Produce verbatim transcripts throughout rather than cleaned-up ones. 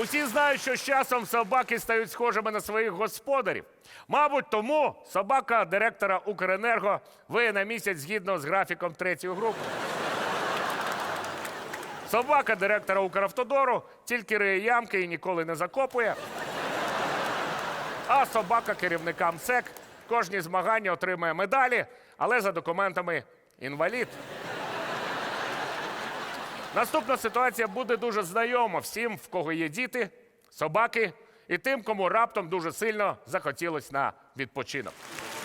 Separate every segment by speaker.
Speaker 1: Усі знають, що з часом собаки стають схожими на своїх господарів. Мабуть, тому собака директора Укренерго виє на місяць згідно з графіком третьої групи. Собака директора Укравтодору тільки риє ямки і ніколи не закопує. А собака керівника МСЕК кожні змагання отримує медалі, але за документами інвалід. Наступна ситуація буде дуже знайома всім, в кого є діти, собаки і тим, кому раптом дуже сильно захотілось на відпочинок.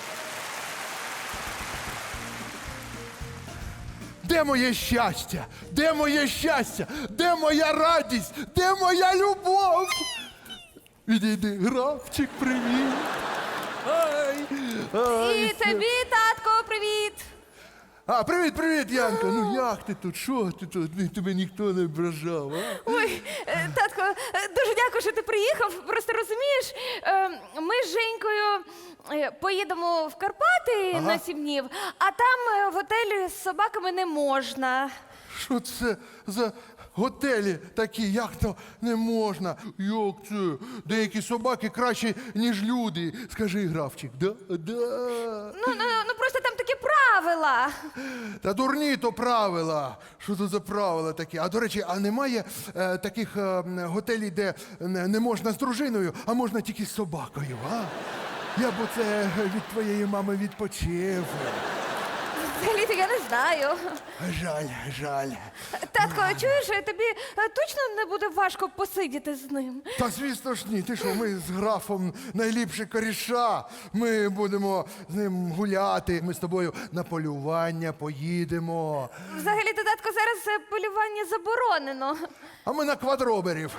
Speaker 2: Де моє щастя? Де моє щастя? Де моя радість? Де моя любов? Відійди, графчик, привіт. Ай, ай,
Speaker 3: І тобі, татко, привіт!
Speaker 2: А, привіт, привіт, Янка. Ну як ти тут? Що ти тут? Ні, тебе ніхто не ображав, а?
Speaker 3: Ой, е, татко, е, дуже дякую, що ти приїхав. Просто розумієш, е, ми з Женькою е, поїдемо в Карпати
Speaker 2: Ага.
Speaker 3: на сім днів, а там е, в готелі з собаками не можна.
Speaker 2: Що це за готелі такі? Як то не можна? Як це? Деякі собаки кращі, ніж люди. Скажи, графчик, да? Да.
Speaker 3: Ну, ну, ну просто там такі правила.
Speaker 2: Та дурні то правила. Що то за правила такі? А до речі, а немає е, таких е, готелів, де не не можна з дружиною, а можна тільки з собакою, а? Я б оце від твоєї мами відпочив.
Speaker 3: Взагалі-то я не знаю.
Speaker 2: Жаль, жаль.
Speaker 3: Татко, чуєш, тобі е, точно не буде важко посидіти з ним?
Speaker 2: Та звісно ж ні, ти що, ми з графом найліпші коріша. Ми будемо з ним гуляти. Ми з тобою на полювання поїдемо.
Speaker 3: Взагалі-то, татко, зараз е, полювання заборонено.
Speaker 2: А ми на квадроберів.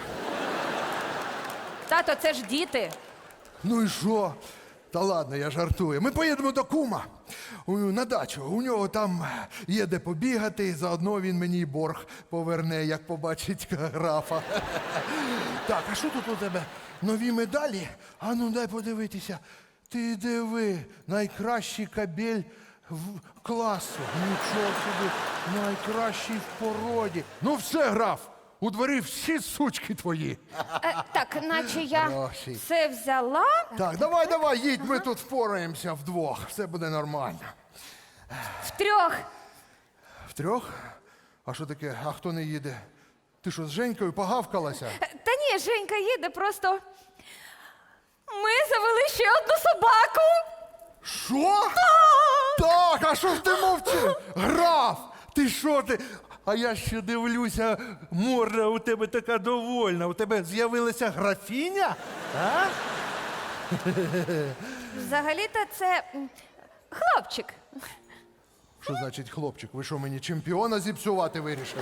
Speaker 3: Тато, це ж діти.
Speaker 2: Ну і що? Та ладно, я жартую. Ми поїдемо до кума у- на дачу. У нього там є де побігати, заодно він мені й борг поверне, як побачить графа. Так, а що тут у тебе? Нові медалі? А ну дай подивитися. Ти диви, найкращий кабель в класу. Нічого собі, найкращий в породі. Ну все, граф, у дворі всі сучки твої.
Speaker 3: Е, так, наче я
Speaker 2: Гроші.
Speaker 3: все взяла.
Speaker 2: Так, давай, давай, їдь, ми тут впораємося вдвох. Все буде нормально.
Speaker 3: Втрьох.
Speaker 2: Втрьох? А що таке? А хто не їде? Ти що, з Женькою погавкалася?
Speaker 3: Е, Та ні, Женька їде, просто ми завели ще одну собаку.
Speaker 2: Що? Так, а що ж ти мовчиш? Граф! Ти що ти? А я ще дивлюся, морда у тебе така довольна. У тебе з'явилася графіня? А?
Speaker 3: Взагалі-то це м, хлопчик.
Speaker 2: Що значить хлопчик? Ви що, мені чемпіона зіпсувати вирішили?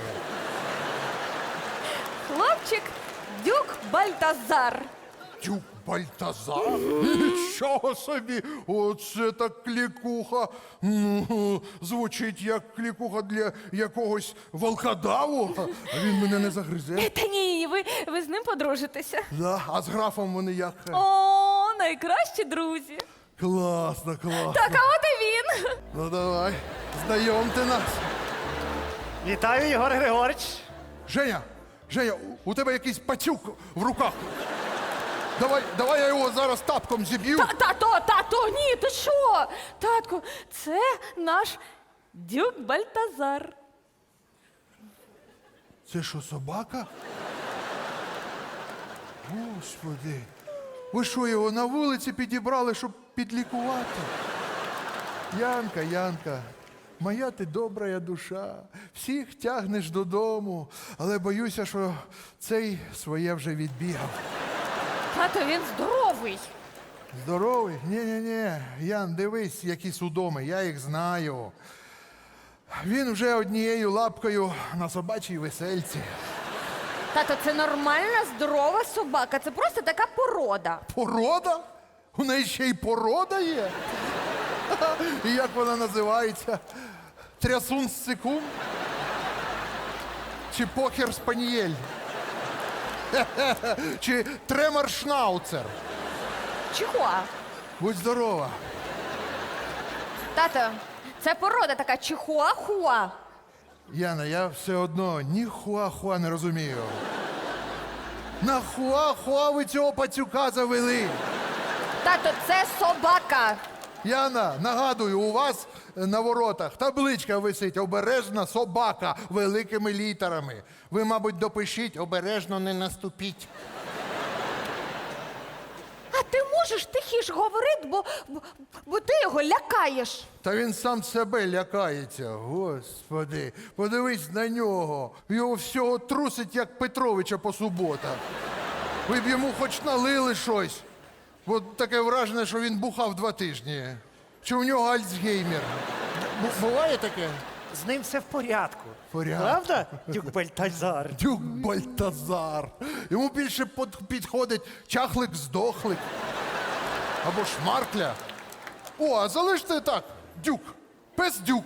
Speaker 3: Хлопчик Дюк Бальтазар.
Speaker 2: Тюк Бальтазар? Нічого собі! Оце так клікуха. Ну, звучить як клікуха для якогось волкодаву. А він мене не загризе.
Speaker 3: Е, Та ні, ви, ви з ним подружитеся.
Speaker 2: Да, а з графом вони як?
Speaker 3: О, найкращі друзі.
Speaker 2: Класно, класно.
Speaker 3: Так, а от і він.
Speaker 2: Ну давай, знайомте нас.
Speaker 4: Вітаю, Єгор Григорич.
Speaker 2: Женя, Женя, у у тебе якийсь пацюк в руках. Давай, давай я його зараз тапком зіб'ю.
Speaker 3: Та, тато, тато, ні, ти що? Татку, це наш Дюк Бальтазар.
Speaker 2: Це що, собака? Господи. Ви що, його на вулиці підібрали, щоб підлікувати? Янка, Янка, моя ти добра душа. Всіх тягнеш додому, але боюся, що цей своє вже відбігав.
Speaker 3: Тато, він здоровий.
Speaker 2: Здоровий? Ні-ні-ні. Ян, дивись, які судоми, я їх знаю. Він вже однією лапкою на собачій весельці.
Speaker 3: Тато, це нормальна, здорова собака. Це просто така порода.
Speaker 2: Порода? У неї ще й порода є? І як вона називається? Трясун сцикун? Чи покер спанієль? Чи тремор шнауцер?
Speaker 3: Чого?
Speaker 2: Будь здорова.
Speaker 3: Тато, це порода така чихуахуа.
Speaker 2: Яна, я все одно ні хуа-хуа не розумію. Нахуа-хуа ви цього пацюка завели?
Speaker 3: Тато, це собака.
Speaker 2: Яна, нагадую, у вас на воротах табличка висить «Обережна собака» великими літерами. Ви, мабуть, допишіть «Обережно не наступіть».
Speaker 3: А ти можеш тихіше говорити, бо, бо, бо ти його лякаєш.
Speaker 2: Та він сам себе лякається, господи. Подивись на нього. Його всього трусить, як Петровича по суботах. Ви б йому хоч налили щось. Бо таке враження, що він бухав два тижні. Чи у нього Альцгеймер? Бу- Буває таке?
Speaker 4: З ним все в порядку.
Speaker 2: Порядку.
Speaker 4: Правда, дюк Бальтазар?
Speaker 2: Дюк Бальтазар. Йому більше под- підходить чахлик-здохлик. Або шмаркля. О, а залиште так. Дюк. Пес дюк.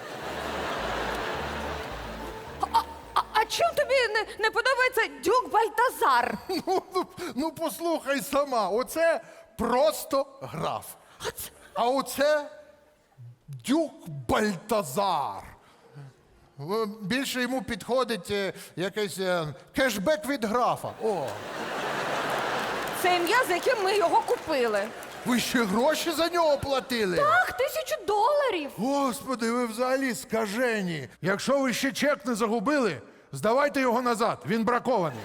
Speaker 3: А, а чим тобі не, не подобається дюк Бальтазар?
Speaker 2: Ну, ну, ну, послухай сама. Оце просто граф. А оце дюк Бальтазар. Е, Більше йому підходить е, якийсь е, кешбек від графа. О,
Speaker 3: Це ім'я, за яким ми його купили.
Speaker 2: ви ще гроші за нього платили?
Speaker 3: Ах, тисячу доларів.
Speaker 2: Господи, ви взагалі скажені. Якщо ви ще чек не загубили, здавайте його назад. Він бракований.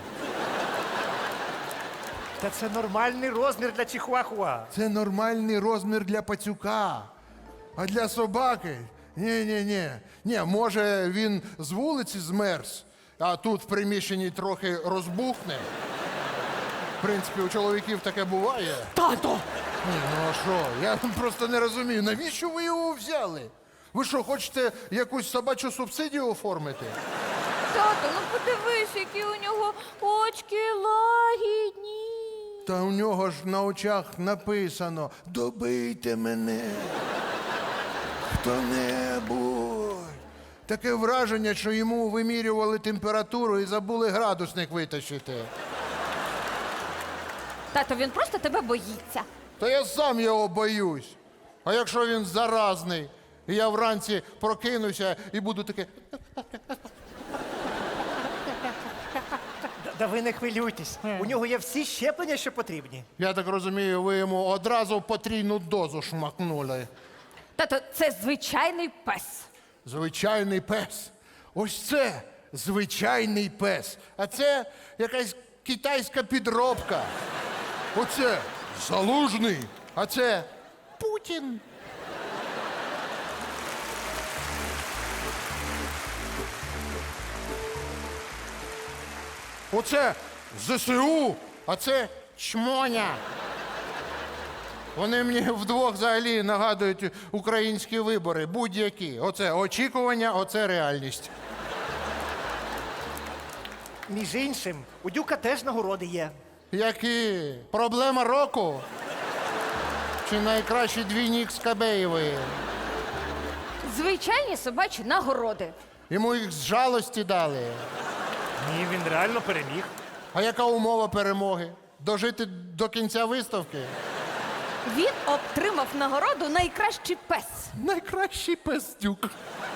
Speaker 4: Та це нормальний розмір для чихуахуа.
Speaker 2: Це нормальний розмір для пацюка. А для собаки? Ні-ні-ні. Ні, може він з вулиці змерз, а тут в приміщенні трохи розбухне. В принципі, у чоловіків таке буває.
Speaker 3: Тато!
Speaker 2: Ні, ну а що? Я просто не розумію, навіщо ви його взяли? Ви що, хочете якусь собачу субсидію оформити?
Speaker 3: Тато, ну подивись, які у нього очки лагідні.
Speaker 2: Та у нього ж на очах написано «Добийте мене, хто-небудь». Таке враження, що йому вимірювали температуру і забули градусник витащити.
Speaker 3: Тато, він просто тебе боїться.
Speaker 2: Та я сам його боюсь. А якщо він заразний, і я вранці прокинуся і буду таке.
Speaker 4: Да, да ви не хвилюйтесь. У нього є всі щеплення, що потрібні.
Speaker 2: Я так розумію, ви йому одразу потрійну дозу шмакнули.
Speaker 3: Тато, це звичайний пес.
Speaker 2: Звичайний пес. Ось це звичайний пес. А це якась китайська підробка. Оце Залужний, а це Путін. Оце ЗСУ, а це чмоня. Вони мені вдвох взагалі нагадують українські вибори, будь-які. Оце очікування, оце реальність.
Speaker 4: Між іншим, у дюка теж нагороди є.
Speaker 2: Які? Проблема року? Чи найкращий двійник Скабеєвої?
Speaker 3: Звичайні собачі нагороди.
Speaker 2: Йому їх з жалості дали.
Speaker 4: Ні, він реально переміг.
Speaker 2: А яка умова перемоги? Дожити до кінця виставки?
Speaker 3: Він отримав нагороду найкращий пес.
Speaker 2: Найкращий пестюк.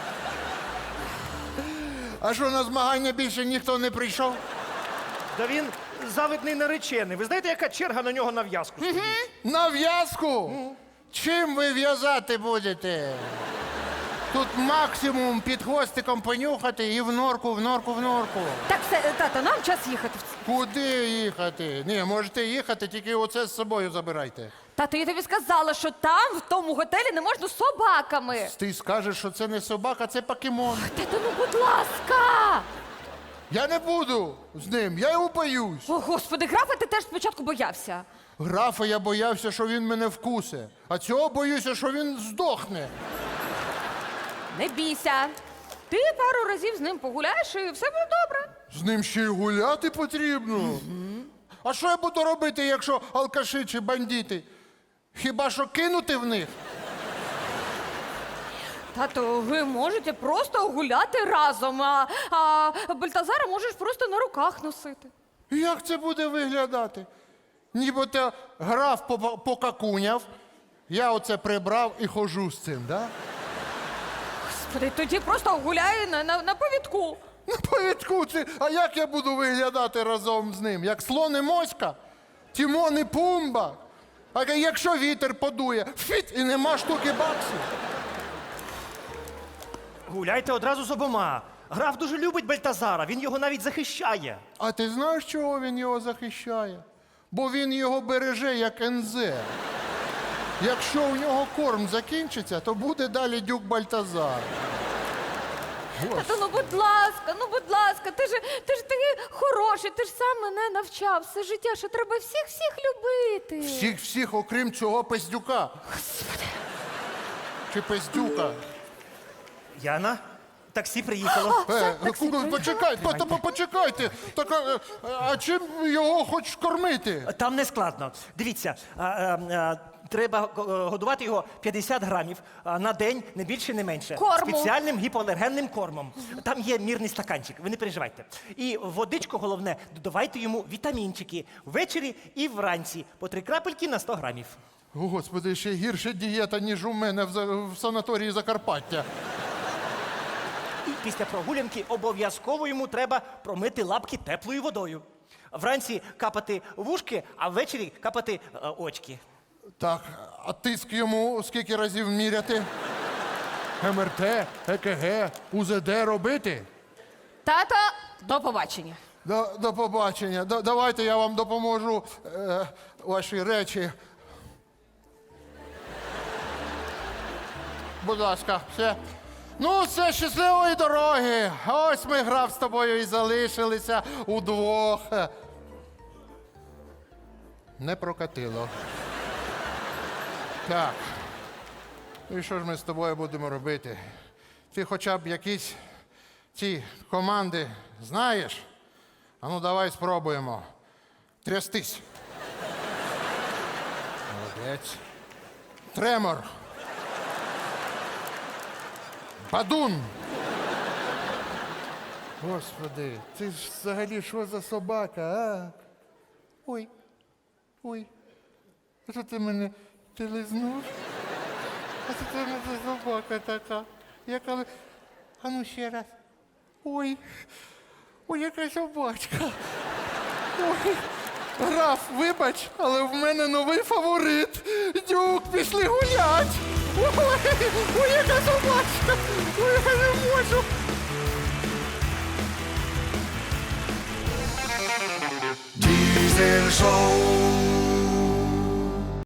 Speaker 2: А що, на змагання більше ніхто не прийшов?
Speaker 4: Да він завидний наречений. Ви знаєте, яка черга на нього на в'язку стоїть?
Speaker 2: На в'язку? Чим ви в'язати будете? Тут максимум під хвостиком понюхати і в норку, в норку, в норку.
Speaker 3: Так, все, тато, нам час їхати.
Speaker 2: Куди їхати? Ні, можете їхати, тільки оце з собою забирайте.
Speaker 3: Тато, я тобі сказала, що там, в тому готелі, не можна з собаками.
Speaker 2: Ти скажеш, що це не собака, це покемон.
Speaker 3: Тато, ну будь ласка.
Speaker 2: Я не буду з ним, я його боюсь.
Speaker 3: О, господи, графа, ти теж спочатку боявся.
Speaker 2: Графа я боявся, що він мене вкусе, а цього боюся, що він здохне.
Speaker 3: Не бійся. Ти пару разів з ним погуляєш і все буде добре.
Speaker 2: З ним ще й гуляти потрібно. А що я буду робити, якщо алкаші чи бандити? Хіба що кинути в них?
Speaker 3: Тато, ви можете просто гуляти разом, а, а Бальтазара можеш просто на руках носити.
Speaker 2: Як це буде виглядати? Нібито граф по- покакуняв, я оце прибрав і хожу з цим, да?
Speaker 3: Господи, тоді просто гуляй на, на, на повідку.
Speaker 2: На повідку це. А як я буду виглядати разом з ним? Як слон і моська? Тімон і Пумба? А якщо вітер подує, фіт, і нема штуки баксів.
Speaker 4: Гуляйте одразу з обома. Граф дуже любить Бальтазара, він його навіть захищає.
Speaker 2: А ти знаєш, чого він його захищає? Бо він його береже як ензе. Якщо у нього корм закінчиться, то буде далі дюк Бальтазар.
Speaker 3: Тато, ну будь ласка, ну будь ласка, ти ж, ти ж такий хороший, ти ж сам мене навчав все життя, що треба всіх-всіх любити.
Speaker 2: Всіх, всіх, окрім цього пиздюка. Чи пиздюка.
Speaker 4: Яна, таксі приїхало.
Speaker 2: Е, ку- почекайте, по- по- почекайте. Так, а, а чим його хочеш кормити?
Speaker 4: Там не складно. Дивіться, а, а, а, треба е, годувати його п'ятдесят грамів а, на день, не більше, не менше.
Speaker 3: Корму.
Speaker 4: Спеціальним гіпоалергенним кормом. Там є мірний стаканчик, ви не переживайте. І в водичку головне, додавайте йому вітамінчики ввечері і вранці. По три крапельки на сто грамів.
Speaker 2: О, Господи, ще гірша дієта, ніж у мене в, за- в санаторії Закарпаття.
Speaker 4: І після прогулянки обов'язково йому треба промити лапки теплою водою. Вранці капати вушки, а ввечері капати е, очки.
Speaker 2: Так, а тиск йому скільки разів міряти? ем ер те, е ке ге, у зе де робити?
Speaker 3: Тато, до побачення.
Speaker 2: До, до побачення. До, давайте я вам допоможу е, ваші речі. Будь ласка, все. Ну, все, щасливої дороги. Ось ми, граф, з тобою і залишилися удвох. Не прокатило. Так. І що ж ми з тобою будемо робити? Ти хоча б якісь ці команди знаєш? А ну давай спробуємо. Трястись. Молодець. Тремор. Бадун. Господи, ти ж взагалі що за собака, а? Ой. Ой. А що ти мене ти лизнув? А це це за собака така. Яка... ли- А ну ще раз. Ой. Ой, яка собачка. Ой. Граф, вибач, але в мене новий фаворит. Дюк, пішли гулять. Ой, ой, яка собачка. Ой, я не можу.
Speaker 5: Diesel Show.